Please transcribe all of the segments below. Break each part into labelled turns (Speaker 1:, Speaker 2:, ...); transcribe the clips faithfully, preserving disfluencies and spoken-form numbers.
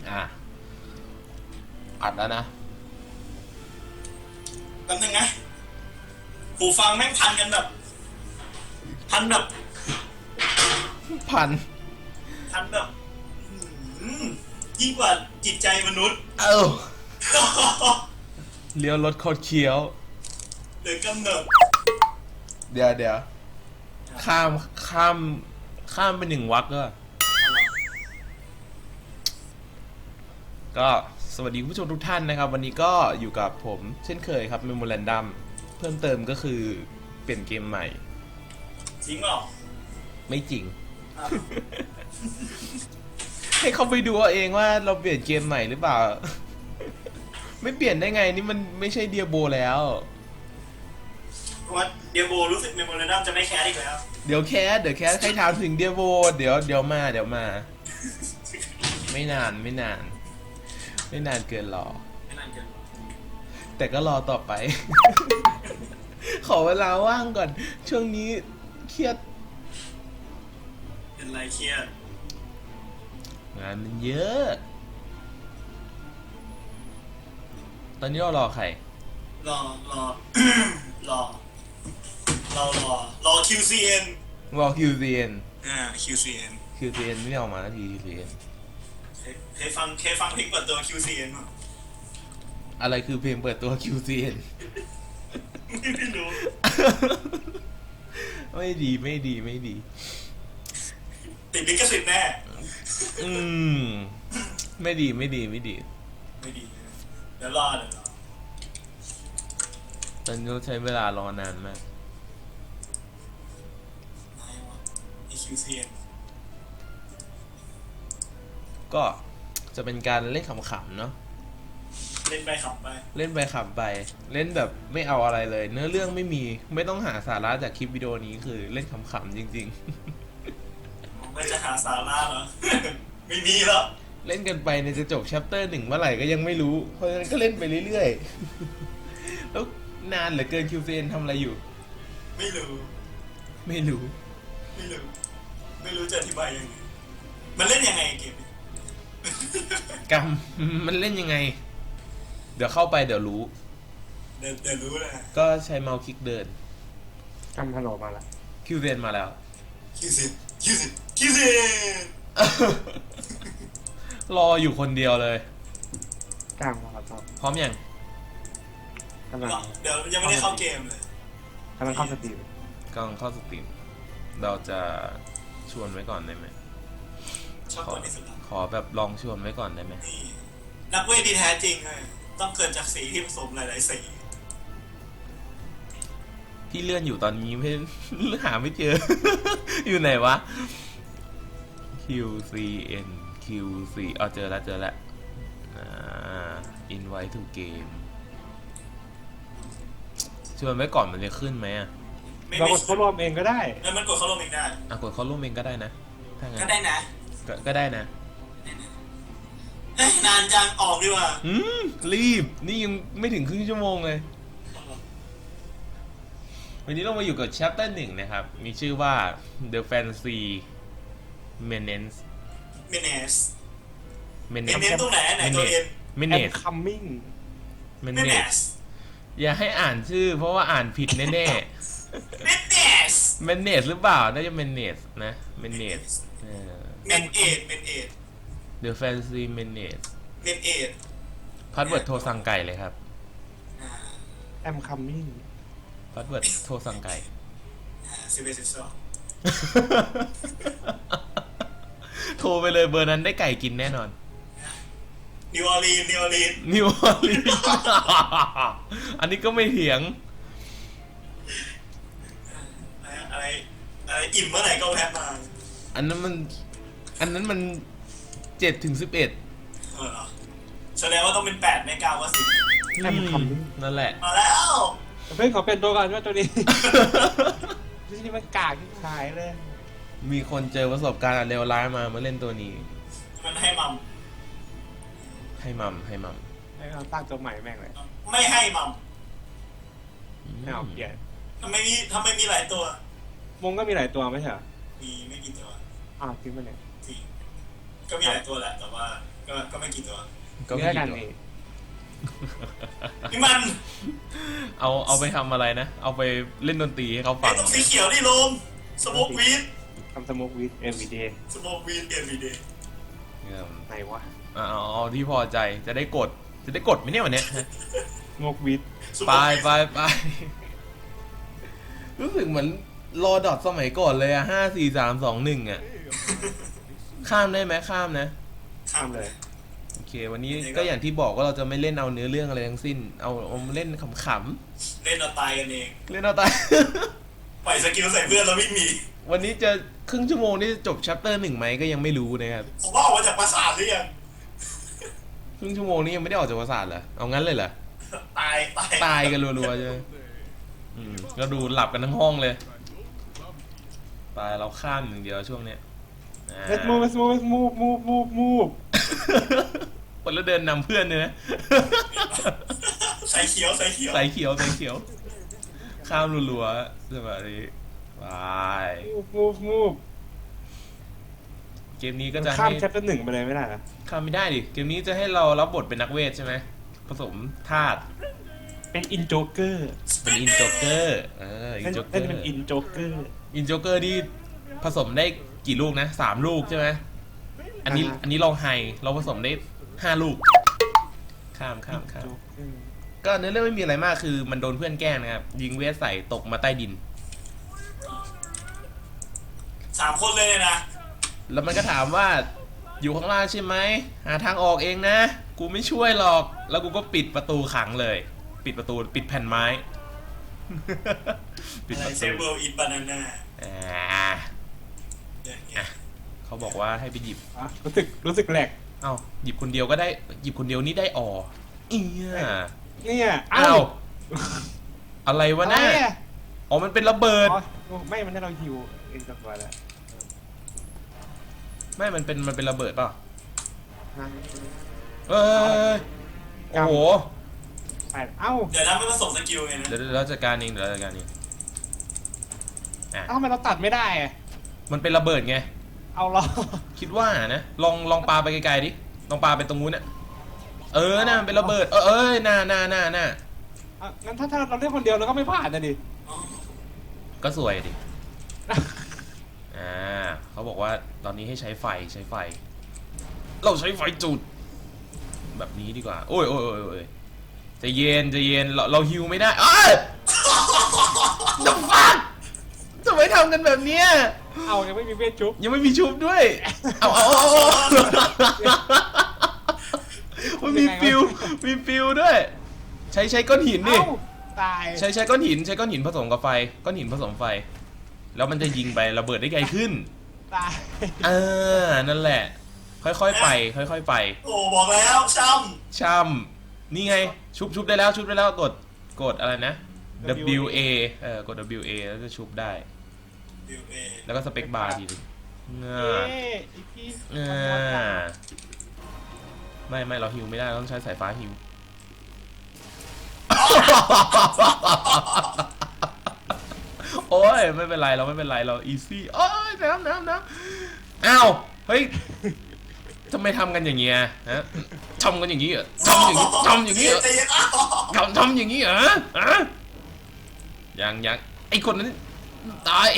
Speaker 1: อ่ะอัดแล้วนะ
Speaker 2: แป๊บนึงนะหูฟังแม่งพันกันแบบพันแบบ
Speaker 1: พัน
Speaker 2: พันแบบยิ่งกว่าจิตใจมนุษย์
Speaker 1: เอ้าเลี้ยวรถโคตรเคี้ยว
Speaker 2: หรือกำเนิด
Speaker 1: เดี๋ยวเดี๋ยวข้ามข้ามข้ามไปหนึ่งวรรคก็ก็สวัสดีผู้ชมทุกท่านนะครับวันนี้ก็อยู่กับผมเช่นเคยครับ Memorandum เพิ่มเติมก็คือเปลี่ยนเกมใหม่
Speaker 2: จริงหรอ
Speaker 1: ไม่จริง ให้เขาไปดูเอาเองว่าเราเปลี่ยนเกมใหม่หรือเปล่า ไม่เปลี่ยนได้ไงนี่มันไม่ใช่เดียโบแล้ว
Speaker 2: เพราะว่าเดียโบรู้สึกเมมโมเรนดัมจะไม่แคสอีกแล้ว
Speaker 1: เดี๋ยวแคสเดี๋ยวแคสใครถามถึงเดียโบเดี๋ยวเดี๋ยวมาเดี๋ยวมา ไม่นานไม่นานไม่นานเกินรอ
Speaker 2: ไม่นานเกิน
Speaker 1: แต่ก็รอต่อไป ขอเวลาว่างก่อนช่วงนี้เครียด
Speaker 2: เป็นไรเครียด
Speaker 1: งานมันเยอะตอนนี้เรารอใคร
Speaker 2: รอรอ รอรอรอรอ คิว ซี เอ็น
Speaker 1: รอ คิว ซี เอ็น
Speaker 2: อ่า คิว ซี เอ็น
Speaker 1: คิว ซี เอ็น ไม่ออกมาสักที คิว ซี เอ็น
Speaker 2: เคยฟังเคยฟังเพลงเปิดตัว คิว ซี เอ็น มั้ย
Speaker 1: อะไรคือเพลงเปิดตัว คิว ซี เอ็น
Speaker 2: ไม่รู้
Speaker 1: ไม่ดีไม่ดีไม่ดี
Speaker 2: ติดลิขสิทธิ์แน่
Speaker 1: อืมไม่ดีไม่ดีไม่ดี
Speaker 2: ไม่ดีเดี๋ยวรอเดี๋ยวรอ
Speaker 1: ตอนนี้ใช้เวลารอนานมาก
Speaker 2: ไหนวะไอ คิว ซี เอ็น
Speaker 1: ก็จะเป็นการเล่นขำๆเนาะ
Speaker 2: เล่นไปขำไป
Speaker 1: เล่นไปขำไปเล่นแบบไม่เอาอะไรเลยเนื้อเรื่องไม่มีไม่ต้องหาสาระจากคลิปวิดีโอนี้คือเล่นขำๆจริง
Speaker 2: ๆไม่จะหาสาระเหรอ ไม่มีหรอก
Speaker 1: เล่นกันไปเนี่ยจะจบ chapter หนึ่งเมื่อไหร่ก็ยังไม่รู้เพราะฉะนั้นก็เล่นไปเรื่อยๆแล้วนานเหลือเกิน คิว ซี เอ็น ทำอะไรอยู่
Speaker 2: ไม่รู้
Speaker 1: ไม่รู้
Speaker 2: ไม่รู้ไม่รู้จะอธิบายยังไงมันเล่นยังไงเกมนี้
Speaker 1: กรรมมันเล่นยังไงเดี๋ยวเข้าไปเดี๋ยวรู้
Speaker 2: เดี๋ยวเดี๋ยวรู้เลย
Speaker 1: ก็ใช้เมาส์คลิกเดิน
Speaker 3: ทำฮัลโหลมาแล้ว
Speaker 1: คิว ซี เอ็น มาแล้ว
Speaker 2: คิว ซี คิว ซี คิว ซี
Speaker 1: รออยู่คนเดียวเลย
Speaker 3: กลางมาครับ
Speaker 1: พร้อมยัง
Speaker 3: กำลัง
Speaker 2: เดี๋ยวยังไม่ได้เข้าเกมเลย
Speaker 3: กำลังเข้าสตรีม
Speaker 1: กำลังเข้าสตรีมเราจะชวนไว้ก่อนได้ไหม
Speaker 2: ชอบคนที่สุด
Speaker 1: ขอแบบลองชวนไว้ก่อนได้ไหม
Speaker 2: นักเวทที่แท้จริงเลยต้องเกิดจากสีที่ผสมหลายๆสี
Speaker 1: ที่เลื่อนอยู่ตอนนี้ไม่หาไม่เจอ อยู่ไหนวะ คิว ซี เอ็น คิว ซี อ๋อเจอแล้วเจอแล้วอ่า invite to game ชวนไว้ก่อนมันจะขึ้นไหมอ่ะ
Speaker 3: เรากดเข้าร่วมเองก็ได้
Speaker 2: เออมันกดเข้าร่วมเองได้
Speaker 1: อ่ะกดเข้าร่วมเองก็ได้นะถ้างั้น
Speaker 2: ก็ได้นะ
Speaker 1: ก็ได้นะ
Speaker 2: เฮ้ยนานจังออกดีกว่า
Speaker 1: อืมรีบนี่ยังไม่ถึงครึ่งชั่วโมงเลยวันนี้เรามาอยู่กับ chapter หนึ่งนะครับมีชื่อว่า The Fancy Menace
Speaker 2: Menace
Speaker 1: Menace
Speaker 2: ตรงไหนไหนตัวเอ็น
Speaker 1: Menace
Speaker 3: coming
Speaker 1: Menace อย่าให้อ่านชื่อเพราะว่าอ่านผิดแน่
Speaker 2: ๆ Menace
Speaker 1: Menace หรือเปล่าน่าจะ Menace นะ Menace เออ
Speaker 2: Menace Menace
Speaker 1: The Fancy Menace
Speaker 2: Menace
Speaker 1: พาสเวิร์ดโทรสั่งไก่เลยครับ
Speaker 3: I'm coming
Speaker 1: พาสเวิร์ดโทรสั่งไก่
Speaker 2: สิบเอ็ดสิบสอง
Speaker 1: โทรไปเลยเบอร์นั้นได้ไก่กินแน่นอน
Speaker 2: นิวออร์ลีนนิวออร์ลีน
Speaker 1: นิวออร์ลีนอันนี้ก็ไม่เถียง
Speaker 2: อะไรอะไรอิ่มเมื่อไหร่ก็แพ้มา
Speaker 1: อันนั้นมันอันนั้นมันเจ็ดถึงสิบเอ็ด
Speaker 2: เออแสดงว่าต้องเป็นแปดไม่เก้าว่าสิบ
Speaker 1: นั่นแหละ
Speaker 2: มาแล้ว
Speaker 3: เพื่อนขอเป็นตัวก่อนว่าตัวนี้ที่มันกากที่ขายเลย
Speaker 1: มีคนเจอประสบการณ์เลวร้ายมามาเล่นตัวนี้
Speaker 2: มันให้มัม
Speaker 1: ให้มัมให้มัม
Speaker 3: ให้เราตั้งตัวใหม่แม่งเลย
Speaker 2: ไม่ให้มัม
Speaker 3: ไม่เอาเปลี่ยน
Speaker 2: ทำไมมีทำไมมีหลายตัว
Speaker 3: มงก็มีหลายตัวไม่ใช่เหรอ
Speaker 2: มีไม่กี่ตัว
Speaker 3: อ้าวจริงปะเนี่ย
Speaker 2: จริงก็มีหลายตัวแหละแต่ว่าก็ก็ไม่กี่ตัว
Speaker 1: ก็ไม่
Speaker 3: เนื้อ
Speaker 1: กี่
Speaker 3: กัน
Speaker 1: ตัว
Speaker 3: นี่
Speaker 2: นี่มัน
Speaker 1: เอาเอาไปทำอะไรนะ เอาไปเล่นดนตรีให้เขา
Speaker 2: ไอ้
Speaker 1: ฟัง
Speaker 2: ตรงสีเขียวนี่โลมสโมกวีด
Speaker 3: ทำสโมกวิดเอ็มวีเดย์
Speaker 2: สโมกวีดเอ็มวีเดย์
Speaker 3: ไหนวะ
Speaker 1: เอาเอาเอาที่พอใจจะได้กดจะได้กดไหมเนี่ยวันเนี้ย
Speaker 3: สโมกวิด
Speaker 1: ไปไปไปรู้สึกเหมือนรอดอทสมัยก่อนเลยอะห้าสี่สามสองหนึ่งอะข้ามได้ไหมข้ามนะ
Speaker 2: ข้ามเลย
Speaker 1: โอเค วันนี้ก็อย่างที่บอกว่าเราจะไม่เล่นเอาเนื้อเรื่องอะไรทั้งสิ้น เอาเอาเล่นขำ
Speaker 2: เล่นเอาตายกันเอง
Speaker 1: ๆเล่นเอาตาย
Speaker 2: ปล่อยสกิลใส่เพื่อนแล้ววิ่งหนี
Speaker 1: วันนี้จะครึ่งชั่วโมงนี่จบชัปเตอร์หนึ่งไหมก็ยังไม่รู้นะครับ
Speaker 2: ผมว่าออกมาจากปราสาทหรือยัง
Speaker 1: ครึ่งชั่วโมงนี้ยังไม่ได้ออกจากปราสาทเหรอเอางั้นเลยเหรอ
Speaker 2: ตายตาย
Speaker 1: ตายกันรัวๆใช่ไหมอืมก็ดูหลับกันทั้งห้องเลยตายเราข้ามอย่างเดียวช่วงเนี้ยอ่า
Speaker 3: let's move let's move let's move move move move
Speaker 1: คนแล้วเดินนำเพื่อนเนี่ยนะ
Speaker 2: ใส่เขียวใส่เขียว
Speaker 1: ใส่เขียวใส่เขียว ข้ามรัวๆสบายดีบาย
Speaker 3: move move move
Speaker 1: เกมนี้ก็จะ
Speaker 3: ข้าม
Speaker 1: ให้
Speaker 3: แชปเตอร์หนึ่งไปเลยไม่ได้นะ
Speaker 1: ข้ามไม่ได้ดิ เกมนี้จะให้เรารับบทเป็นนักเวทใช่ไหม ผสมธาตุ
Speaker 3: เป็นอินโจเกอร์
Speaker 1: เป็นอินโจเกอร์ เออ อิน
Speaker 3: เล่น
Speaker 1: โจเกอ
Speaker 3: เล่น
Speaker 1: ร์
Speaker 3: เป็นอินโจเกอร์
Speaker 1: อินโจเกอร์ที่ผสมได้กี่ลูกนะสามลูกใช่ไหม อันนี้
Speaker 3: อ่าฮะ
Speaker 1: อันนี้ลองไฮ เราผสมได้ห้าลูก ข้ามข้ามข้าม
Speaker 3: โจ๊กเกอร์
Speaker 1: ก็เนื้อเรื่องไม่มีอะไรมากคือมันโดนเพื่อนแกล้งนะครับ ยิงเวทใส่ตกมาใต้ดิน
Speaker 2: สามคนเลยเนี่ยนะ
Speaker 1: แล้วมันก็ถามว่าอยู่ข้างล่างใช่ไหมหาทางออกเองนะ กูไม่ช่วยหรอก แล้วกูก็ปิดประตูขังเลย ปิดประตูปิดแผ่นไม้ ปิด
Speaker 2: อะ
Speaker 1: ป
Speaker 2: ไร
Speaker 1: ระ
Speaker 2: เซ
Speaker 1: ตู
Speaker 2: เบิลอินบานาน่า
Speaker 1: อ่า
Speaker 2: เนี่ยเนี่ย
Speaker 1: เขาบอกว่าให้ไปหยิบ
Speaker 3: อ่ะรู้สึกรู้สึกแหลก
Speaker 1: เอ้าหยิบคนเดียวก็ได้ หยิบคนเดียวนี่ได้อ่อเอีย
Speaker 3: เนี่ย
Speaker 1: อ้าวอะไรวะ
Speaker 3: อะไร
Speaker 1: น่ะ
Speaker 3: อ่ะ
Speaker 1: อ๋อมันเป็นระเบิด
Speaker 3: อ๋อไม่มันให้เราฮิวเองสักวันแล้ว
Speaker 1: ไม่มันเป็นมันเป็นระเบิดเปล่าเอ้ยโอ้โห
Speaker 3: ไปเอ้า
Speaker 2: เดี๋ยวนะไม่ผสมสกิลไงนะ
Speaker 1: เดี๋ยวเดี๋ยวเราจัดการเองเดี๋ยวเราจัดการเอง
Speaker 3: เอ้าทำไมเราตัดไม่ได้อะ
Speaker 1: มันเป็นระเบิดไง
Speaker 3: เอาล้อ
Speaker 1: คิดว่านะลองลองปาไปไกลๆดิลองปาไปตรงนู้นน่ะเออน่ะมันเป็นระเบิดเออเอ้ยน่าน่าน่าน่า
Speaker 3: อ่ะงั้นถ้าถ้าเราเล่นคนเดียวเราก็ไม่ผ่านนะดิ
Speaker 2: อ๋อ
Speaker 1: ก็สวยดิอ่าเขาบอกว่าตอนนี้ให้ใช้ไฟใช้ไฟ เราใช้ไฟจุด แบบนี้ดีกว่า โอ้ยโอ้ยโอ้ยโอ้ยใจเย็นใจเย็นเราเราฮิวไม่ได้เอ้ยจะฟังทำไมทำกันแบบเนี้ย
Speaker 3: เอายังไม่มีเวทชุบ
Speaker 1: ยังไม่มีชุบด้วย เอาเอาเอาเอามันมีฟิวมีฟิวด้วย ใช้ใช้ก้อนหินดิ
Speaker 3: เอ้าตาย
Speaker 1: ใช้ใช้ก้อนหินใช้ก้อนหินผสมกับไฟ ก้อนหินผสมไฟ แล้วมันจะยิงไประเบิดได้ไกลขึ้น
Speaker 3: ตาย
Speaker 1: เออนั่นแหละ ค่อยๆไป ค่อยๆไป
Speaker 2: โอ้บอกแล้วช้
Speaker 1: ช่ำนี่ไง ชุบชุบได้แล้วชุบได้แล้วกดกดอะไรนะ W A เออกด W A แล้วจะชุบได้
Speaker 2: ำ W A
Speaker 1: แล้วก็สเปคบาร์ทีนึง
Speaker 3: เอ๊
Speaker 1: อ่า
Speaker 3: ะอีพี
Speaker 1: อ่าไม่ไม่เราฮิวไม่ได้เราต้องใช้สายฟ้าฮิว โอ้ยไม่เป็นไรเราไม่เป็นไรเราอีซี่โอ้ยน้ำน้ำน้ำอ้าวเฮ้ยทำไมทำกันอย่างเงี้ยฮะทำกันอย่างงี้เหรอทำอย่างงี้ทำอย่างงี้เหรอ
Speaker 2: ใจเย็นอ้าว
Speaker 1: ทำทำอย่างงี้เหรอฮะยังยังไอคนนั้นตาย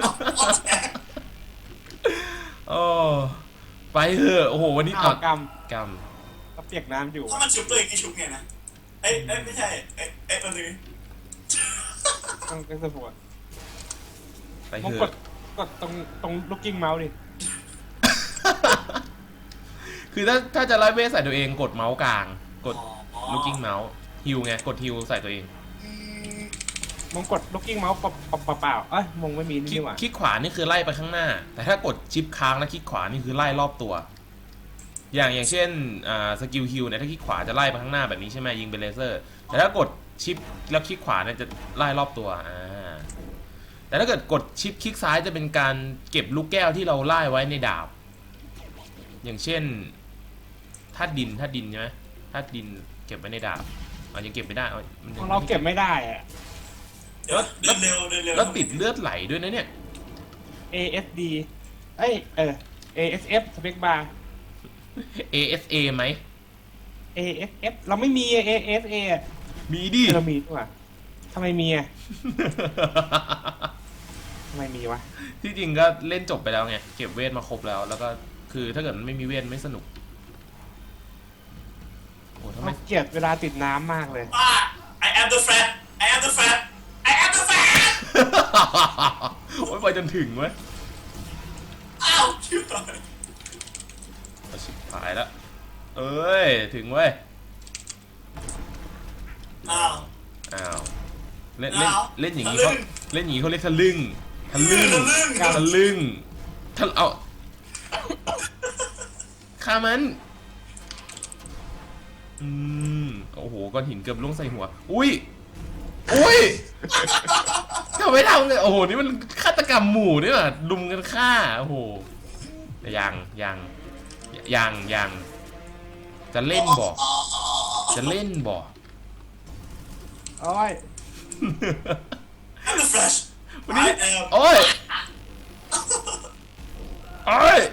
Speaker 1: โอ้ไปเถอะโอ้โหวันนี้
Speaker 3: อ้าวก
Speaker 1: กรรม
Speaker 3: ำเราเปียกน้ำอยู่
Speaker 2: ถ้ามันชุบตัวเองไม่ชุบไงนะเอ้ยเอ้ยไม่ใช่เอ้ยเอ้ยมันนึง
Speaker 3: ต้องต้องสปอร์ต
Speaker 1: ไป
Speaker 3: มอง
Speaker 1: เถ
Speaker 3: ก
Speaker 1: อะ
Speaker 3: ดกดตรงตรงลูกกิ้งเมาส์ดิ
Speaker 1: คือถ้าถ้าจะไล่เวทใส่ตัวเองกดเมาส์กลาง กด
Speaker 2: อ๋อ
Speaker 1: ลูกกิ้งเมาส์ฮิวไงกดฮิวใส่ตัวเอง
Speaker 2: อืม
Speaker 3: มองกดลูกกิ้งเมาส์เปล่าเปล่าๆเอ้ยมองไม่มี
Speaker 1: คลิ
Speaker 3: นี่
Speaker 1: ก
Speaker 3: หว่า
Speaker 1: คลิกขวานี่คือไล่ไปข้างหน้า แต่ถ้ากดชิปค้างแล้วคลิกขวานี่คือไล่รอบตัว อย่างอย่างเช่นอ่าสกิลฮิวเนี่ยถ้าคลิกขวาจะไล่ไปข้างหน้าแบบนี้ใช่ไหมยิงเป็นเลเซอร์ แต่ถ้ากดชิปแล้วคลิกขวาเนี่ยจะไล่รอบตัวอ่าแต่ถ้าเกิดกดชิปคลิกซ้ายจะเป็นการเก็บลูกแก้วที่เราไล่ไว้ในดาบ อย่างเช่นธาตุดินธาตุดินใช่ไหมธาตุดินเก็บไว้ในดาบอ๋อยังเก็บไม่ได้อ๋อมัน
Speaker 3: ข
Speaker 1: ยั
Speaker 3: อง งเราเก็บไม่ได้อะ
Speaker 2: เดี๋ยวเดินเร็วเดินเร็ว
Speaker 1: แล้วติดเลือดไหลด้วยนะเนี่ย
Speaker 3: เอ เอส ดี เอ้ยเออ เอ เอส เอฟ สเปคบาร์
Speaker 1: เอ เอส เอ ไหม
Speaker 3: เอ เอส เอส เราไม่มี เอ เอส เอ
Speaker 1: มีดิ
Speaker 3: เรามีด้วยทำไมมีอ่ะทำไมมีวะ
Speaker 1: ที่จริงก็เล่นจบไปแล้วไง เก็บเวทมาครบแล้ว แล้วก็คือถ้าเกิดมันไม่มีเวทไม่สนุก โอ้ทำไม
Speaker 3: เกลียดเวลาติดน้ำมากเลย
Speaker 2: อ่า I am the fat I am the fat I am the fat
Speaker 1: โอ้ยไปจนถึงเว้ย
Speaker 2: อ้าวชิบหาย
Speaker 1: เอาชิบหายแล้ว เอ้ย ถึงเว้ย
Speaker 2: อ้าว
Speaker 1: อ้าว เล่นเล่น
Speaker 2: อ้าว
Speaker 1: เล่นอย่างนี้
Speaker 2: ทะลึ่
Speaker 1: เขา
Speaker 2: ง
Speaker 1: เล่นอย่างนี้เขาเรียกทะลึ่งทะลึ่ง
Speaker 2: ทะลึ่ง
Speaker 1: ทะลึ่งทะเอาฆ่ามัน อืม โอ้โห ก้อนหินเกือบล่วงใส่หัว อุ้ย อุ้ยทำไมทำเลยโอ้โห นี่มันฆาตกรรมหมู่นี่หว่าลุมกันฆ่า โอ้โห ยังยังยังยังจะเล่นบ่จะเล่นบ่
Speaker 3: โอ้ย
Speaker 2: I'm the flash
Speaker 1: วันนี้
Speaker 2: I am
Speaker 1: โอ้ยโอ้ย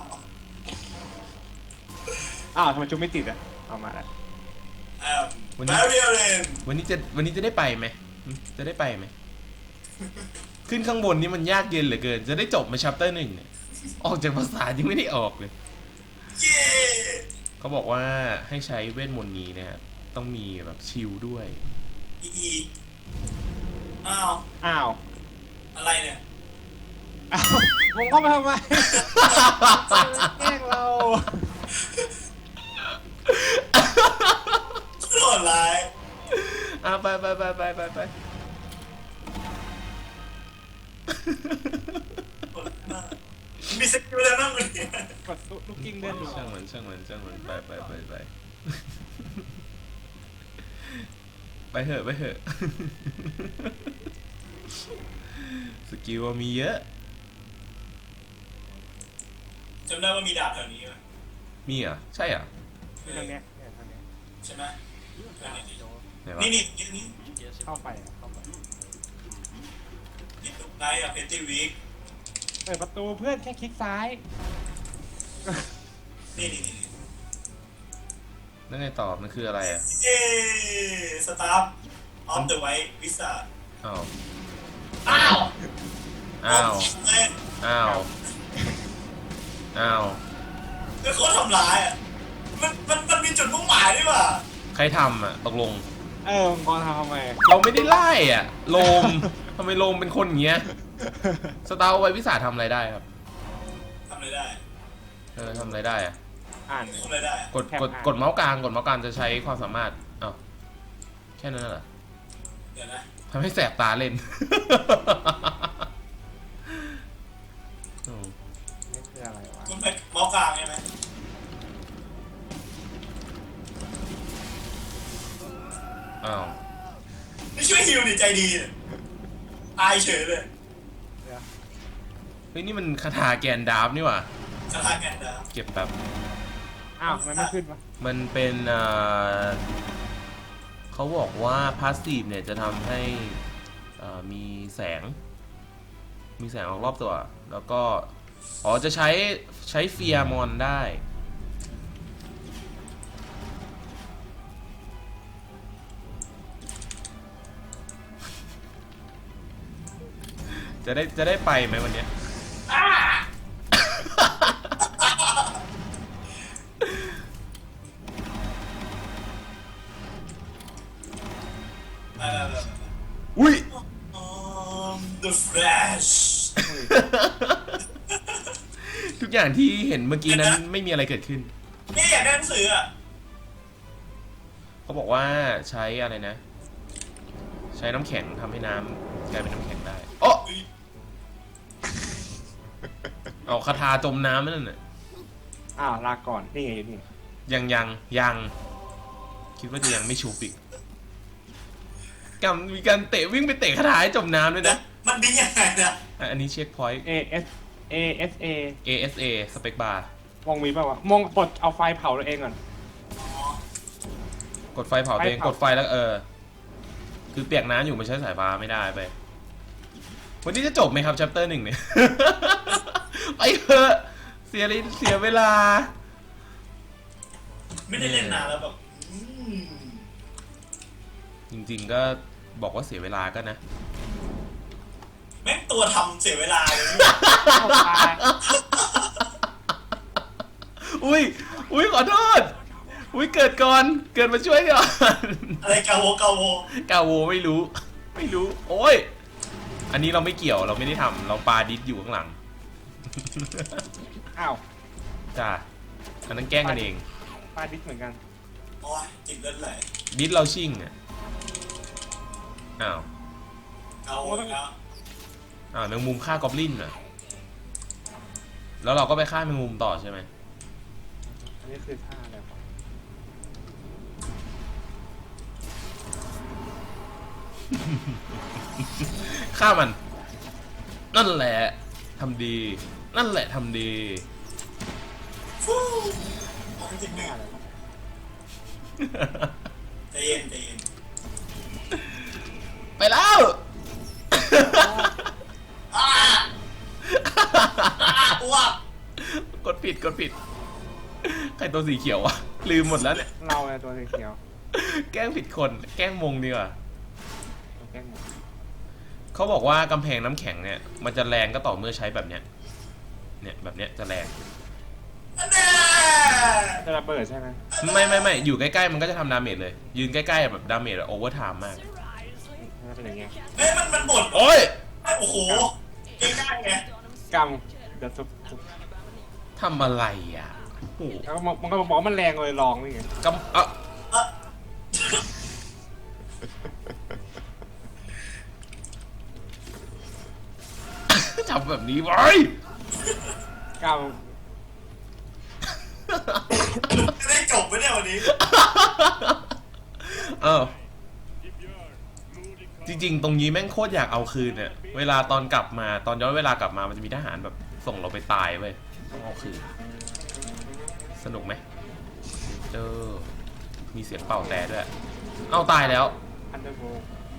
Speaker 3: อ้าวทำไมจุ๊บไม่ติดอ่ะ เอามาแล้ว
Speaker 2: am
Speaker 1: วันนี้
Speaker 2: Marion
Speaker 1: วันนี้จะวันนี้จะได้ไปไหมหึจะได้ไปไหม ขึ้นข้างบนนี่มันยากเย็นเหลือเกิน จะได้จบมาชัปเตอร์หนึ่งเนี่ยออกจากภาษายังไม่ได้ออกเลย
Speaker 2: เย้
Speaker 1: เขาบอกว่าให้ใช้เวทมนต์นี้นะครับต้องมีแบบชิลด้วย
Speaker 2: อีอีอ้าว
Speaker 3: อ้าว
Speaker 2: อะไรเนี่ย
Speaker 3: อ้าวมึงเข้ามาทำไมแกล้งเรา
Speaker 2: โหดร้าย
Speaker 1: อ่ะไปไปไปไปไปไป
Speaker 2: โหดมากมีสกิลอะไรบ้างเนี่ย
Speaker 3: กดลูกกิ้งเลื่อนดู
Speaker 1: ช่างมันช่างมันช่างมันไปไปไปไปไปเถอะไปเถอะ สกิลมีเยอะ
Speaker 2: จำได้ว่ามีดาบแถวนี้ไหม
Speaker 1: มีเหรอ่ะใช่เหรอ่ะ
Speaker 3: ตรงเนี้ยเนี่ยตรงเนี้ย
Speaker 2: ใช่ไหม
Speaker 1: ไหนวะ
Speaker 2: นี่นี่นี่นี่
Speaker 3: เข้าไปอะเข้าไป
Speaker 2: นี่ตรงไหนอะเพนตี้วีค
Speaker 3: เปิดประตูเพื่อนแค่คลิกซ้าย
Speaker 2: นี่นี่นี่
Speaker 1: นั่นไงต่อมันคืออะไรอ่ะ
Speaker 2: เย้สตาร์ฟออฟเดอะไวท์วิซ่า
Speaker 1: อ้าว
Speaker 2: อ้าว
Speaker 1: อ้าว
Speaker 2: เอ้ย
Speaker 1: อ้าวอ้าว
Speaker 2: คือเขาทำร้ายอ่ะมันมันมันมีจุดมุ่งหมายด้วยว่ะ
Speaker 1: ใครทำอ่ะตกลง
Speaker 3: เออมังกรทำทำไม
Speaker 1: เราไม่ได้ไล่อ่ะโลมทำไมโลมเป็นคนอย่างเงี้ยสตาร์ไววิสาทำอะไรได้ครับ
Speaker 2: ทำอะไรได้
Speaker 1: เออทำอะไรได้อ่ะ
Speaker 3: อ่าน
Speaker 2: ทำอะไรได้อะ
Speaker 1: กดกดกดเมาส์กลางกดเมาส์กลางจะใช้ความสามารถอ้าวแค่นั้นเหรอ
Speaker 2: เดี๋ยวนะ
Speaker 1: ทำให้แสบตาเล่น
Speaker 3: นี่คืออะไรวะ
Speaker 2: คุณไปเมาส์กลางใช่ไหม
Speaker 1: อ้าว
Speaker 2: ไม่ช่วยฮิวดิใจดีเนี่ยตายเฉยเลย
Speaker 3: เดี๋ยว
Speaker 1: เฮ้ยนี่มันคาถาแกนดาร์ฟนี่หว่า
Speaker 2: สถานการณ์ดาว
Speaker 1: เก็บแบบ
Speaker 3: อ้าวมันไม่ขึ้นวะ
Speaker 1: มันเป็นเอ่อเขาบอกว่าพาสซีฟเนี่ยจะทำให้เอ่อมีแสง มีแสงออกรอบตัว แล้วก็ อ๋อ จะใช้ใช้เฟียร์มอนได้ จะได้จะได้ไปไหมวันเนี้ย
Speaker 2: ไปไปไปไป
Speaker 1: อุ้ย
Speaker 2: อืม The Flash
Speaker 1: ทุกอย่างที่เห็นเมื่อกี้นั้นไม่มีอะไรเกิดขึ้น
Speaker 2: นี่อยากได้หนังสืออ่ะ
Speaker 1: เขาบอกว่าใช้อะไรนะ ใช้น้ำแข็งทำให้น้ำกลายเป็นน้ำแข็งได้โอ้
Speaker 2: อุ๊ย
Speaker 1: เอาคาถาจมน้ำนั่นน่ะ
Speaker 3: อ้าวลาก่อนนี่ไงอยู่นี่
Speaker 1: ยังยังยังคิดว่าจะยังไม่ชูปิกกำมีการเตะวิ่งไปเตะคาถาให้จมน้ำด้วยนะ
Speaker 2: มันดียังไงนะ
Speaker 1: อ่ะอันนี้เช็คพอยต์
Speaker 3: เอเอสเอเอสเอ
Speaker 1: เอ เอส เอ สเปกบาร์
Speaker 3: มองมีป่าวะมองกดเอาไฟเผาตัวเองก่อน
Speaker 2: อ๋อก
Speaker 1: ดไฟเผาตัวเอง
Speaker 3: ไฟเผาก
Speaker 1: ดไฟแล้วเออ คือเปียกน้ำอยู่มันใช้สายฟ้าไม่ได้ไป วันนี้จะจบไหมครับ ชัปเตอร์หนึ่งเนี่ย ไปเถอะเสียเลยเสียเวลา
Speaker 2: ไม่ได้เล่นนานแล้วแบบอืม
Speaker 1: จริงๆก็บอกว่าเสียเวลาก็นะ
Speaker 2: แม่งตัวทำเสียเวลาเลย
Speaker 3: ตาย
Speaker 1: อุ้ยอุ้ยขอโทษอุ้ยเกิดก่อนเกิดมาช่วยก่อน
Speaker 2: อะไรกาโวกาโว
Speaker 1: กาโวไม่รู้ ไม่รู้ โอ้ยอันนี้เราไม่เกี่ยวเราไม่ได้ทำเราปาดิสอยู่ข้างหลัง
Speaker 3: อ้าว
Speaker 1: จ้าอันนั้นแกล้งกันเอง
Speaker 3: ปลาดิสเหมือนกัน
Speaker 2: โอ้ยจิกเลือดไหล
Speaker 1: ดิสเราชิ่งอ่ะอ้าว
Speaker 2: กาโวแล้ว
Speaker 1: อ้าวแมงมุมฆ่ากอบลินอ่ะแล้วเราก็ไปฆ่าแมงมุมต่อใช่ไหม
Speaker 3: อันนี้คือท่าอะไรวะ
Speaker 1: ฆ่ามัน นั่นแหละทำดี นั่นแหละทำดี
Speaker 2: ฟู้ของจริงหนึ่
Speaker 3: ท่าง อะไรวะ
Speaker 2: ใจเย็นใจเย็น
Speaker 1: ไปแล้ว
Speaker 2: อ้าอ้าอ้วก
Speaker 1: กดผิดกดผิด ใครตัวสีเขียววะลืมหมดแล้วเนี่ย
Speaker 3: เราเนี่ยตัวสีเขียว
Speaker 1: แกล้งผิดคน แกล้งมงดีกว่า
Speaker 3: ตัวแกล้งหมด
Speaker 1: เขาบอกว่ากำแพงน้ำแข็งเนี่ย มันจะแรงก็ต่อเมื่อใช้แบบเนี้ย เนี่ยแบบเนี้ยจะแรง
Speaker 2: อันแน่
Speaker 3: จะระเบิดใช่ไหม
Speaker 1: ไม่ไม่ไม่อยู่ใกล้ๆมันก็จะทำดาเมจเลย ยืนใกล้ๆแบบดาเมจโอเวอร์ไทม์มาก
Speaker 3: น่าจะเป็นอย่างเงี้ย
Speaker 2: เฮ้ยมันมันบ่น
Speaker 1: โอ้ย
Speaker 2: โอ้โหใกล้ๆไง
Speaker 3: กำเดี๋ยวซุบซุบ
Speaker 1: ทำอะไรอ่ะโอ้โห
Speaker 3: แล้วมันมันก็บอกว่ามันแรงเลยลองนี่ไง
Speaker 1: กำอ่ะ
Speaker 2: เอ่อ
Speaker 1: ทำแบบนี้ไว้
Speaker 3: ก
Speaker 2: จะได้จบไหมเนี่ยวันนี้
Speaker 1: เออจริงๆ ตรงนี้แม่งโคตรอยากเอาคืนเนี่ยเวลาตอนกลับมาตอนย้อนเวลากลับมามันจะมีทหารแบบส่งเราไปตายเว้ยต้องเอาคืนสนุกไหมเออมีเสียงเป่าแต่ด้วย เอาตายแล้ว
Speaker 3: ำอันเดอร์โบ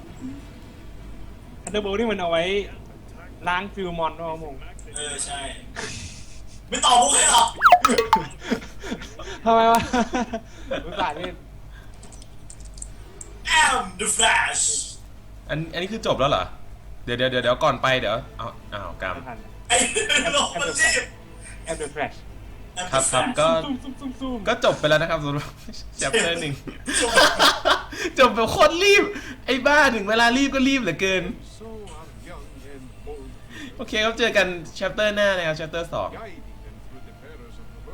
Speaker 3: อันเดอร์โบนี่มันเอาไว้ล้างฟิวมอนด้วยมง
Speaker 2: เออใช่ ไม่ตอบมุกให้หรอก
Speaker 3: ทำไมวะรู้จักนี่
Speaker 2: แอม the flash
Speaker 1: อันอันนี้คือจบแล้วเหรอเดี๋ยวเดี๋ยวเดี๋ยวเดี๋ยวก่อนไปเดี๋ยวเอาอ้าวกรรม
Speaker 3: ไม่ทัน
Speaker 2: ไอ้โลกมันรีบ
Speaker 3: แอปเดอะแฟลช
Speaker 1: ครับครับก็
Speaker 3: ซูมซูมซูมซูม
Speaker 1: ก็จบไปแล้วนะครับสำหรับ chapter หนึ่ง จบแบบโคตรรีบ ไอ้บ้าถึงเวลารีบก็รีบเหลือเกิน โอเคครับเจอกัน chapter หน้านะครับ chapter สอง
Speaker 4: Yikes.